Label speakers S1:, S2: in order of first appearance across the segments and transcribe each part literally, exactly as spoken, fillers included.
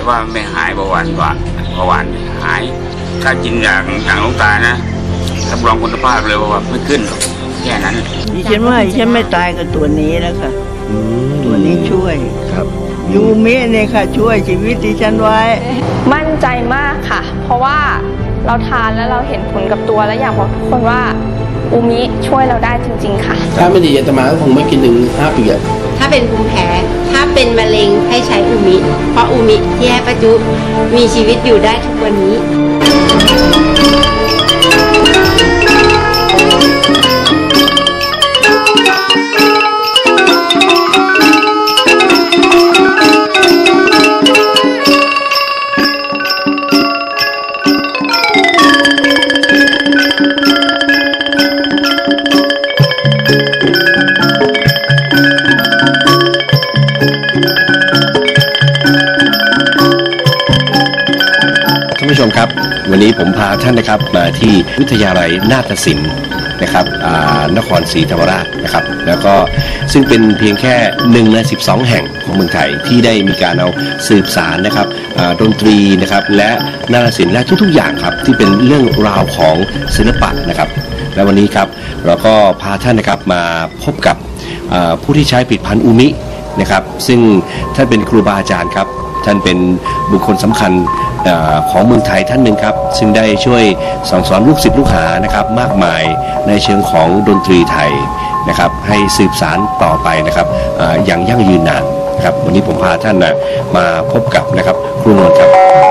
S1: ว่าไม่หายเบาหวานว่าเบาหวานหายถ้ากินอย่างอย่างหลวงตานะรับรองคุณภาพเลยว่าไม่ขึ้นแค่นั้น
S2: ดิฉันว่าฉันไม่ตายกับตัวนี้แล้วค่ะตัวนี้ช่วย
S3: ครับ
S2: ยูมิเนี่ยค่ะช่วยชีวิตดิฉันไว้
S4: มั่นใจมากค่ะเพราะว่าเราทานแล้วเราเห็นผลกับตัวและอยากบอกทุกคนว่าอูมิช่วยเราได้จริงๆค่ะ
S3: ถ้าไม่ดีอาตมาก็คงไม่กินถึงห้าปีอะ
S5: ถ้าเป็นภูมิแพ้ถ้าเป็นมะเร็งให้ใช้อูมิเพราะอูมิที่ให้ป้าจุมีชีวิตอยู่ได้ทุกวันนี้
S3: ท่านผู้ชมครับวันนี้ผมพาท่านนะครับมาที่วิทยาลัยนาฏศิลป์นะครับนครศรีธรรมราชนะครับแล้วก็ซึ่งเป็นเพียงแค่หนึ่งในสิบสองแห่งของเมืองไทยที่ได้มีการเอาสืบสารนะครับดนตรีนะครับและนาฏศิลป์และทุกๆอย่างครับที่เป็นเรื่องราวของศิลปะนะครับและวันนี้ครับเราก็พาท่านนะครับมาพบกับผู้ที่ใช้ผลิตภัณฑ์อูมินะครับซึ่งท่านเป็นครูบาอาจารย์ครับท่านเป็นบุคคลสำคัญของเมืองไทยท่านหนึ่งครับซึ่งได้ช่วยสั่งสอนลูกศิษย์ลูกหานะครับมากมายในเชิงของดนตรีไทยนะครับให้สืบสารต่อไปนะครับอย่างยั่งยืนนานครับวันนี้ผมพาท่านนะมาพบกับนะครับครูนวลครับ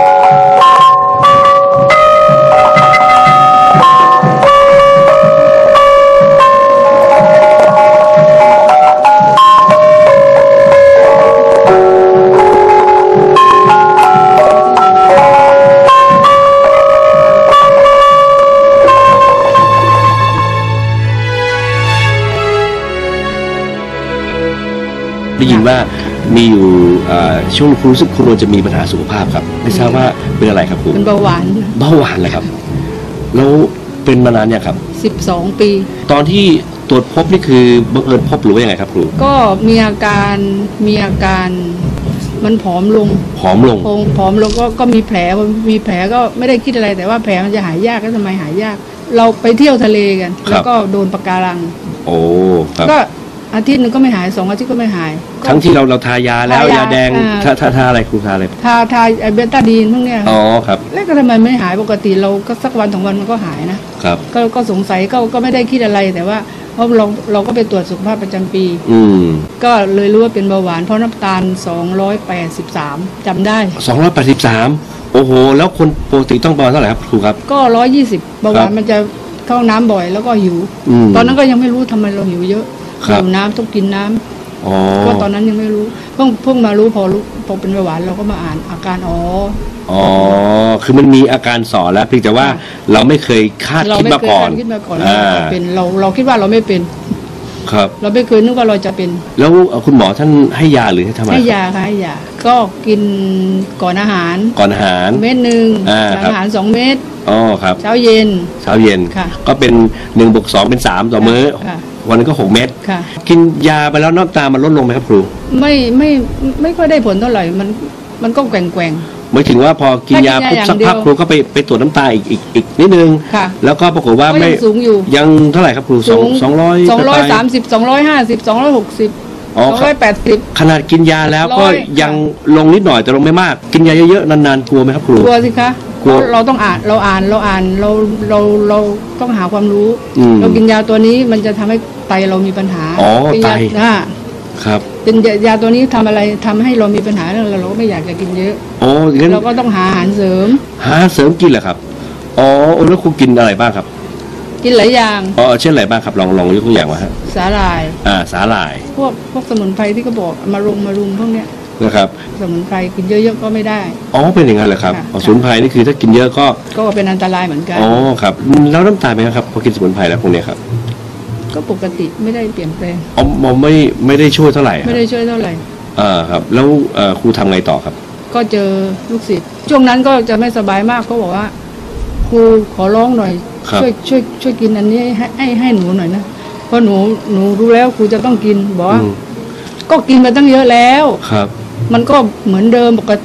S3: ได้ยินว่ามีอยู่ช่วงครูรู้สึกครูจะมีปัญหาสุขภาพครับไม่ทราบว่าเป็นอะไรครับครู
S6: เป็นเบาหวาน
S3: เบาหวานเลยครับแล้วเป็นมานานเนี่ยครับ
S6: สิบสองปี
S3: ตอนที่ตรวจพบนี่คือบังเอิญพบหรือว่ายังไงครับครู
S6: ก็มีอาการมีอาการมันผอมลง
S3: ผอมลง
S6: ผอมลงก็ก็มีแผลมีแผลก็ไม่ได้คิดอะไรแต่ว่าแผลมันจะหายยากก็ทำไมหายยากเราไปเที่ยวทะเลกันแล้วก็โดนปะการัง
S3: โอ้ครับ
S6: ก็อาทิตย์นึงก็ไม่หายสองอาทิตย์ก็ไม่หาย
S3: ทั้งที่เราเราทายาแล้วยาแดงทาทาทาอะไรครูทาอะไร
S6: ทาทาไอเบต้าดีนพวกเนี้ย
S3: อ๋อครับ
S6: แล้วก็ทำไมไม่หายปกติเราก็สักวันสองวันมันก็หายนะครับก็ก็สงสัยก็ก็ไม่ได้คิดอะไรแต่ว่าเพราะเราเราก็ไปตรวจสุขภาพประจำปี
S3: อืม
S6: ก็เลยรู้ว่าเป็นเบาหวานเพราะน้ำตาลสองร้อยแปดสิบสามจำได้
S3: สองร้อยแปดสิบสามโอ้โหแล้วคนปกติต้องประมาณเท่าไหร่ครับครูครับ
S6: ก็ร้อยยี่สิบเบาหวานมันจะเข้าน้ำบ่อยแล้วก็หิวตอนนั้นก็ยังไม่รู้ทำไมเราหิวเยอะหิวน้ำต้องกินน้ำก็ตอนนั้นยังไม่รู้เพิ่งเพิ่งมารู้พอรู้พอเป็นเบาหวานเราก็มาอ่านอาการอ๋อ
S3: อ๋อคือมันมีอาการสอนแล้วเพียงแต่ว่าเราไม่เคยคาดคิดมาก่อน
S6: คิดมาก่อนว่าเป็นเราเราคิดว่าเราไม่เป็น
S3: ครับ
S6: เราไม่เคยนึกว่าเราจะเป็น
S3: แล้วคุณหมอท่านให้ยาหรือให้ทำอะไร
S6: ให้ยาค่ะให้ยาก็กินก่อนอาหาร
S3: ก่อนอาหาร
S6: เม็ดหนึ่งหลังอาหารสองเม็ด
S3: อ๋อครับ
S6: เช้าเย็น
S3: เช้าเย็นก็เป็นหนึ่งบวกสองเป็นสามต่อมื้อวันนึงก็หกเม็ดกินยาไปแล้วน้ำตามันลดลงไหมครับครู
S6: ไม่ไม่ไม่ค่อยได้ผลเท่าไหร่มันมันก็แกว่งแกว่ง
S3: หมายถึงว่าพอกินยาปุ๊บสักพักครูก็ไปไปตรวจน้ำตาอีกอีกอีกนิดนึงแล้วก็ปรากฏว่าไม่
S6: สูงอยู่
S3: ยังเท่าไหร่ครับครูสองสองร้อย
S6: สองร้อยสามสิบสองร้อยห้าสิบสองร้อยหกสิบสองร้อยแปดสิบ
S3: ขนาดกินยาแล้วก็ยังลงนิดหน่อยแต่ลงไม่มากกินยาเยอะๆนานๆกลัวไหมครับครู
S6: กลัวสิคะเราต้องอ่านเราอ่านเราอ่านเราเราเราต้องหาความรู้เรากินยาตัวนี้มันจะทำให้ไตเรามีปัญหา
S3: อ๋อไต
S6: ครับเป็นยาตัวนี้ทำอะไรทำให้เรามีปัญหาแล้วเราก็ไม่อยากจะกินเยอะ
S3: อ๋องั้น
S6: เราก็ต้องหาอาหารเสริม
S3: หาเสริมกินเหรอครับอ๋อแล้วครูกินอะไรบ้างครับ
S6: กินหลายอย่าง
S3: อ๋อเช่นอะไรบ้างครับลองลองยกตัวอย่างมาฮะ
S6: สาหร่าย
S3: อ่าสาหร่าย
S6: พวกพวกสมุนไพรที่เขาบอกมารุมมารุมพวกเนี้ย
S3: นะครับ
S6: สมุนไพรกินเยอะๆก็ไม่ได้
S3: อ๋อเป็นอย่างนั้นเหรอครับสมุนไพรนี่คือถ้ากินเยอะก็
S6: ก็เป็นอันตรายเหมือนกัน
S3: อ๋อครับแล้วน้ำตาลไหมครับพอกินสมุนไพรแล้วพวกนี้ครับ
S6: ก็ปกติไม่ได้เปลี่ยนแปลง
S3: อ๋อมไม่ไม่ได้ช่วยเท่าไหร่
S6: ไม่ได้ช่วยเท่าไหร่
S3: อ่าครับแล้วครูทำไงต่อครับ
S6: ก็เจอลูกศิษย์ช่วงนั้นก็จะไม่สบายมากเขาบอกว่าครูขอร้องหน่อยช่วยช่วยช่วยกินอันนี้ให้ให้ให้หนูหน่อยนะเพราะหนูหนูรู้แล้วครูจะต้องกินบอกว่าก็กินมาตั้งเยอะแล้ว
S3: ครับ
S6: มันก็เหมือนเดิมปกติ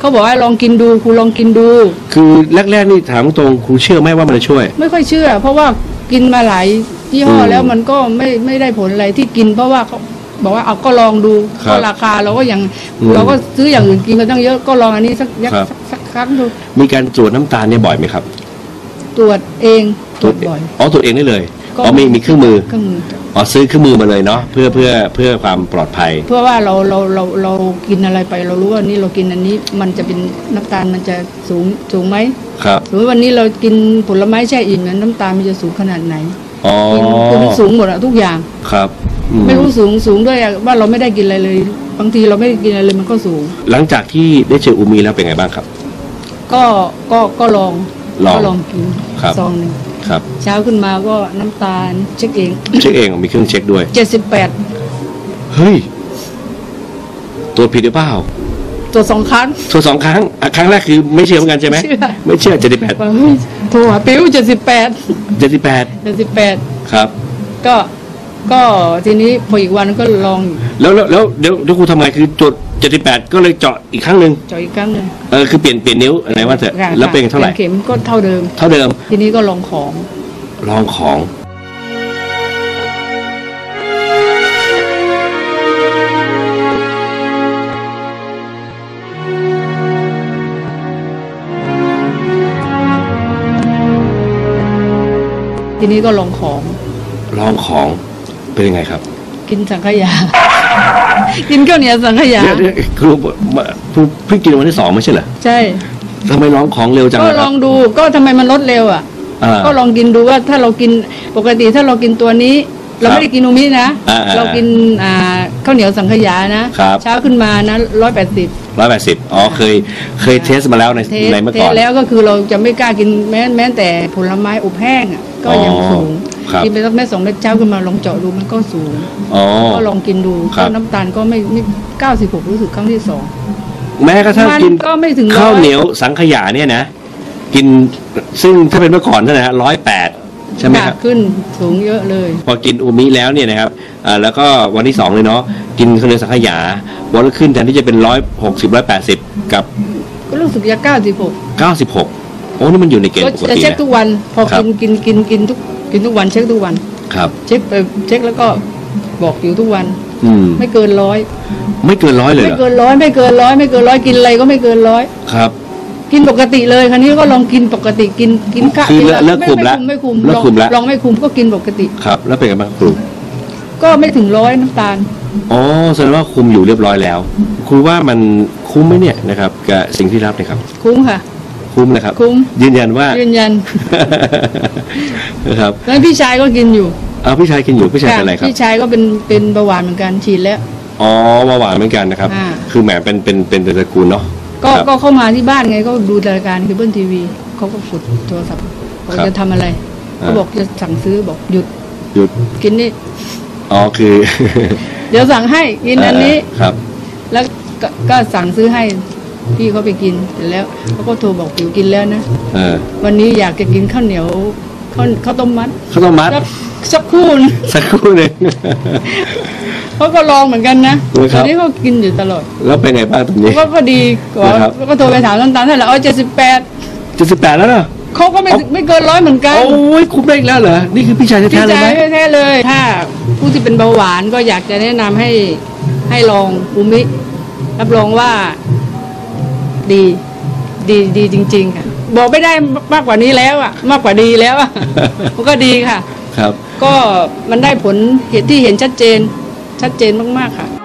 S6: เขาบอกให้ลองกินดูครูลองกินดู
S3: คือแรกๆนี่ถามตรงครูเชื่อไหมว่ามันจะช่วย
S6: ไม่ค่อยเชื่อ เพราะว่ากินมาหลายยี่ห้อ
S3: อืม
S6: แล้วมันก็ไม่ไม่ได้ผลอะไรที่กิน เพราะว่าเขาบอกว่าเอาก็ลองดู
S3: ครับ
S6: ก็ราคาเราก็ยัง
S3: อืม
S6: เราก็ซื้ออย่างอื่นกินกันตั้งเยอะก็ลองอันนี้สักยัก
S3: ครับ
S6: สักสักครั้งดู
S3: มีการตรวจน้ำตาลเนี่ยบ่อยไหมครับ
S6: ตรวจเองตรวจบ่อย
S3: อ๋อตรวจเองได้เลย
S6: ก็
S3: อ๋อมีมีเครื่องมือ
S6: เครื่องมือ
S3: อ๋อซื้อเครื่องมือมาเลยเนาะเพื่อเพื่อเพื่อความปลอดภัย
S6: เพื่อว่าเราเราเราเรากินอะไรไปเรารู้ว่านี่เรากินอันนี้มันจะเป็นน้ำตาลมันจะสูงสูงไหม
S3: ครับ
S6: สมมติวันนี้เรากินผลไม้แช่อิ่มนั้นน้ำตาลมันจะสูงขนาดไหน
S3: อ๋อ
S6: กินคือมันสูงหมดอะทุกอย่าง
S3: ครับอื
S6: ไม่รู้สูงสูงด้วยอะว่าเราไม่ได้กินอะไรเลย บางทีเราไม่ได้กินอะไรเลยมันก็สูง
S3: หลังจากที่ได้เจออูมีแล้วเป็นไงบ้างครับ
S6: ก็ก็ก็ลอง
S3: ลอง
S6: ก็ลองกิน
S3: ครับ
S6: ซองหนึ่ง
S3: ครับ
S6: เช้าขึ้นมาก็น้ำตาลเช็คเอง
S3: เช็คเองมีเครื่องเช็คด้วย
S6: เจ็ดสิบแปด
S3: เฮ้ยตรวจผิดหรือเปล่า
S6: ตัวจสองครั้ง
S3: ตรวจสองครั้งอ่ะครั้งแรกคือไม่เชื่อเหมือนกันใช่ไหม
S6: เชื่อ
S3: ไม่เชื่อเจ็ดสิบแปด
S6: ว่าเฮ้ยโทรหาปิ้วเจ็ดสิบแปด
S3: เจ็ดสิบแปด
S6: เจ็ดสิบแปด
S3: ครับ
S6: ก็ก็ทีนี้พออีกวันก็ลองอีก
S3: แล้วแล้วแล้วเดี๋ยวเดี๋ยวครูทำไงคือตรวจเจ็ดสิบแปดก็เลยเจาะอีกครั้งหนึ่ง
S6: เจาะอีกครั้งหนึ่ง
S3: เออคือเปลี่ยนเปลี่ยนนิ้วอะไรว่าเถอะ
S6: ค่ะ
S3: แล้วเป็นเท่าไหร่
S6: เข็มก็เท่าเดิม
S3: เท่าเดิม
S6: ทีนี้ก็ลองของ
S3: ลองของ
S6: ทีนี้ก็ลองของ
S3: ลองของเป็นยังไงครับ
S6: กินสังขยา กินข้าวเหนียวสังขยา
S3: เนี่ยเนี่ยครูมาครูเพิ่งกินวันที่สองไม่ใช่เหรอ
S6: ใช่
S3: ทำไมลองของเร็วจัง
S6: ก็
S3: ล่ะค
S6: ล
S3: รั
S6: อบ งดูก็ทำไมมันลดเร็วอ่ะ
S3: อ่า
S6: ก็ลองกินดูว่าถ้าเรากินปกติถ้าเรากินตัวนี้ เราไม่ได้กินอูมินะ
S3: อ่าๆ
S6: เรากินอ่าข้าวเหนียวสังขยานะครับ เช้าขึ้นมานะร้อยแปดสิบ
S3: ร้อยแปดสิบอ๋อเคยเคยเทสมาแล้วใน
S6: เทส
S3: ในเมื่อ
S6: เท
S3: ก่อ
S6: ส
S3: น
S6: แล้วก็คือเราจะไม่กล้ากินแม้แม้แต่ผลไม้อบแห้งอ่ะก็ยัง
S3: อ๋อ
S6: สูง
S3: ครับ
S6: กินไปสักเม็ดสองเม็ดเช้าขึ้นมาลองเจาะดูมันก็สูง
S3: อ๋อ
S6: ก็ลองกินดู
S3: ครั
S6: ก็
S3: บ
S6: น้ำตาลก็ไม่ไม่เก้าสิบหกรู้สึกครั้งที่สอง
S3: แม้กระทั่ง
S6: มัน
S3: กิน
S6: ก็ไม่ถึงร้อย
S3: ข้าวเหนียวสังขยาเนี่ยนะ กินซึ่งถ้าเป็นเมื่อก่อนเท่านั้นนะร้อยแปดใช่ไหมครับ
S6: ขึ้นสูงเยอะเลย
S3: พอกินอูมิแล้วเนี่ยนะครับอ่าแล้วก็วันที่สองเลยเนาะกินข้าวเหนียวสังขยาวันละขึ้นแทนที่จะเป็นร้อยหกสิบร้อยแปดสิบกับ
S6: ก็รู้สึกจะเก้าสิบหก
S3: เก้าสิบหกโอ้นี่มันอยู่ในเกณ
S6: ก็
S3: ฑ์ปก
S6: จะ
S3: ติ
S6: เช็ค
S3: นะ
S6: ทุกวัน พอ
S3: ครับ
S6: กินกินกินกินทุกกินทุกวันเช็คทุกวัน
S3: ครับ
S6: เช็คไปเช็คแล้วก็บอกอยู่ทุกวัน
S3: อืม
S6: ไม่เกินร้อย
S3: ไม่เกินร้อยเลย
S6: ไม่
S3: เหรอ
S6: เกินร้อยไม่เกินร้อยไม่เกินร้อยกินอะไรก็ไม่เกินร้อย
S3: ครับ
S6: กินปกติเลยคราวนี้ก็ลองกินปกติกินกินข้าว
S3: คือ
S6: กิน
S3: เลิกเลิกคุมละ
S6: ไม่คุม
S3: เลิ
S6: ไม่
S3: ก
S6: คุม
S3: คุมละ
S6: ลองลองไม่คุมก็กินปกติ
S3: ครับ แล้วเป็นไงบ้างครู
S6: ก็ไม่ถึงร้อยน้ำตาล
S3: อ๋อแสดงว่าคุมอยู่เรียบร้อยแล้วครูว่ามันคุ้มไหมเนี่ยนะครับกับสิ่งที่รับเนี่ยครับ
S6: คุ้มค่ะ
S3: คุ้มนะครับ
S6: คุ้ม
S3: ยืนยันว่า
S6: ยืนยัน
S3: นะครับ
S6: แล้วพี่ชายก็กินอยู่
S3: เอาพี่ชายกินอยู่พี่ชายเป็นอะไรครับ
S6: พี่ชายก็เป็นเป็นเบาหวานเหมือนกันฉีดแล้ว
S3: อ๋อเบาหวานเหมือนกันนะครับ
S6: อ่า
S3: คือแหมเป็นเป็นเป็นตระกูลเนาะ
S6: ก็
S3: ครับ
S6: ก็เข้ามาที่บ้านไงก็ดูรายการเคเบิลทีวีเขาก็กดโทรศัพท์บอก
S3: ครับ
S6: จะทำอะไร
S3: อ่า
S6: เขาบอกจะสั่งซื้อบอกหยุด
S3: หยุด
S6: กินนี่
S3: อ๋อคือ
S6: เดี๋ยวสั่งให้กินอันนี้
S3: เครับ
S6: แล้วก็ก็สั่งซื้อให้พี่เขาไปกินเสร็จแล้วเขาก็โทรบอกผิวกินแล้วนะ
S3: เออ
S6: วันนี้อยากจะกินข้าวเหนียวข้าวข้าวต้มมัด
S3: ข้าวต้มมัด
S6: สักสักครู่นะ
S3: สักครู่หนึ่ง
S6: เขาก็ลองเหมือนกันนะ
S3: โอ้ยค
S6: ต
S3: รั
S6: อบ นนี้เขากินอยู่ตลอด
S3: แล้วเป็นไงบ้างตรงนี้
S6: ก็ก็ดีกว่า
S3: นะครับ
S6: ก็โทรไปถามน้ำตาลเท่าไหร่อ๋อเจ็ดสิบแปด
S3: เจ็ดสิบแปดแล้วเนอะ
S6: เขาก็ไม่ถึงไม่เกินร้อยเหมือนกัน
S3: โอ้ยคุ้มได้อีกแล้วเหรอนี่คือพี่ชาย
S6: พี่
S3: แท้ๆเลย
S6: ชา
S3: ไหม
S6: ยแท้ๆเลย ถ้าผู้ที่เป็นเบาหวานก็อยากจะแนะนำให้ให้ลองอูมิรับรองว่าดี ดีดีจริง ๆ ค่ะ บอกไม่ได้มากกว่านี้แล้วอ่ะ มากกว่าดีแล้วอ่ะ มันก็ดีค่ะ
S3: ครับ
S6: ก็มันได้ผลเห็นที่เห็นชัดเจน ชัดเจนมากๆค่ะ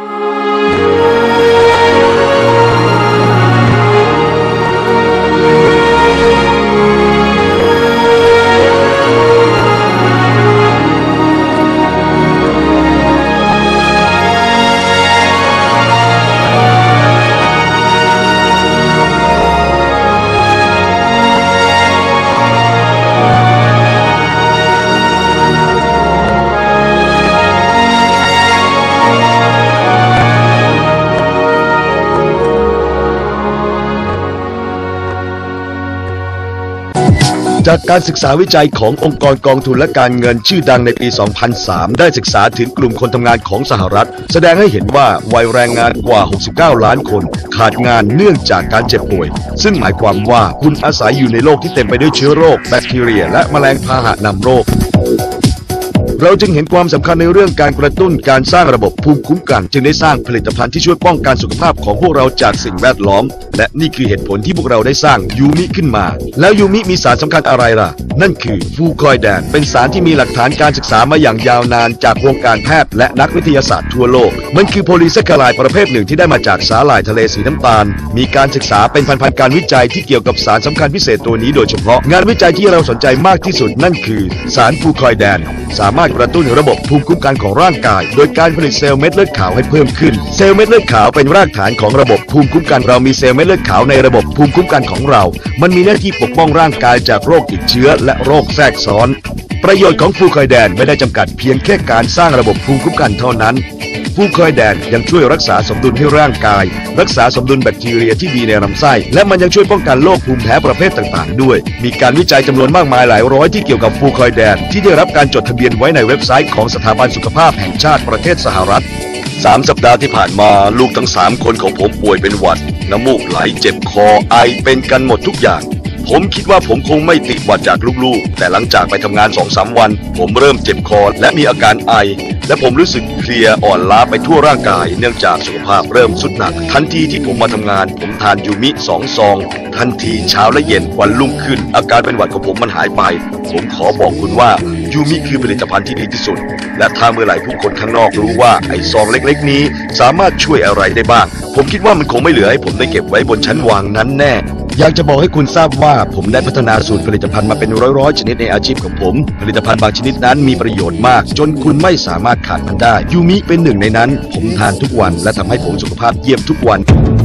S7: จากการศึกษาวิจัยขององค์กรกองทุนและการเงินชื่อดังในปี สองพันสาม ได้ศึกษาถึงกลุ่มคนทำงานของสหรัฐแสดงให้เห็นว่าวัยแรงงานกว่า หกสิบเก้า ล้านคนขาดงานเนื่องจากการเจ็บป่วยซึ่งหมายความว่าคุณอาศัยอยู่ในโลกที่เต็มไปด้วยเชื้อโรคแบคทีเรียและแมลงพาหะนำโรคเราจึงเห็นความสำคัญในเรื่องการกระตุ้นการสร้างระบบภูมิคุ้มกันจึงได้สร้างผลิตภัณฑ์ที่ช่วยป้องกันสุขภาพของพวกเราจากสิ่งแวดล้อมและนี่คือเหตุผลที่พวกเราได้สร้างยูมิขึ้นมาแล้วยูมิมีสารสำคัญอะไรล่ะนั่นคือฟูคอยแดนเป็นสารที่มีหลักฐานการศึกษามาอย่างยาวนานจากวงการแพทย์และนักวิทยาศาสตร์ทั่วโลกมันคือโพลีแซคคาไรด์ประเภทหนึ่งที่ได้มาจากสาหร่ายทะเลสีน้ำตาลมีการศึกษาเป็นพันๆการวิจัยที่เกี่ยวกับสารสำคัญพิเศษตัวนี้โดยเฉพาะงานวิจัยที่เราสนใจมากที่สุดนั่นคือสารฟูคอยแดนสามารถกระตุ้นระบบภูมิคุ้มกันของร่างกายโดยการผลิตเซลล์เม็ดเลือดขาวให้เพิ่มขึ้นเซลล์เม็ดเลือดขาวเป็นรากฐานของระบบภูมิคุ้มกันเรามีเซลล์เม็ดเลือดขาวในระบบภูมิคุ้มกันของเรามันมีหน้าที่ปกป้องร่างกายจากโรคติดเชื้อและโรคแทรกซ้อนประโยชน์ของฟูคอยแดนไม่ได้จำกัดเพียงแค่การสร้างระบบภูมิคุ้มกันเท่านั้นฟูคอยแดนยังช่วยรักษาสมดุลให้ร่างกายรักษาสมดุลแบคทีเรียที่ดีในลำไส้และมันยังช่วยป้องกันโรคภูมิแพ้ประเภทต่างๆด้วยมีการวิจัยจำนวนมากมายหลายร้อยที่เกี่ยวกับฟูคอยแดนที่ได้รับการจดทะเบียนไว้ในเว็บไซต์ของสถาบันสุขภาพแห่งชาติประเทศสหรัฐสามสัปดาห์ที่ผ่านมาลูกทั้งสามคนของผมป่วยเป็นหวัดน้ำมูกไหลเจ็บคอไอเป็นกันหมดทุกอย่างผมคิดว่าผมคงไม่ติดหวัดจากลูกๆแต่หลังจากไปทำงาน สองสาม วันผมเริ่มเจ็บคอและมีอาการไอและผมรู้สึกเพลียอ่อนล้าไปทั่วร่างกายเนื่องจากสุขภาพเริ่มทรุดหนักทันทีที่ผมมาทำงานผมทานยูมิสองซองทันทีเช้าและเย็นวันรุ่งขึ้นอาการเป็นหวัดของผมมันหายไปผมขอบอกคุณว่ายูมิคือผลิตภัณฑ์ที่ดีที่สุดและถ้าเมื่อไหร่ผู้คนข้างนอกรู้ว่าไอ้ซองเล็กๆนี้สามารถช่วยอะไรได้บ้างผมคิดว่ามันคงไม่เหลือให้ผมได้เก็บไว้บนชั้นวางนั้นแน่อยากจะบอกให้คุณทราบว่าผมได้พัฒนาสูตรผลิตภัณฑ์มาเป็นร้อยๆชนิดในอาชีพของผมผลิตภัณฑ์บางชนิดนั้นมีประโยชน์มากจนคุณไม่สามารถขาดมันได้ยูมิเป็นหนึ่งในนั้นผมทานทุกวันและทำให้ผมสุขภาพเยี่ยมทุกวัน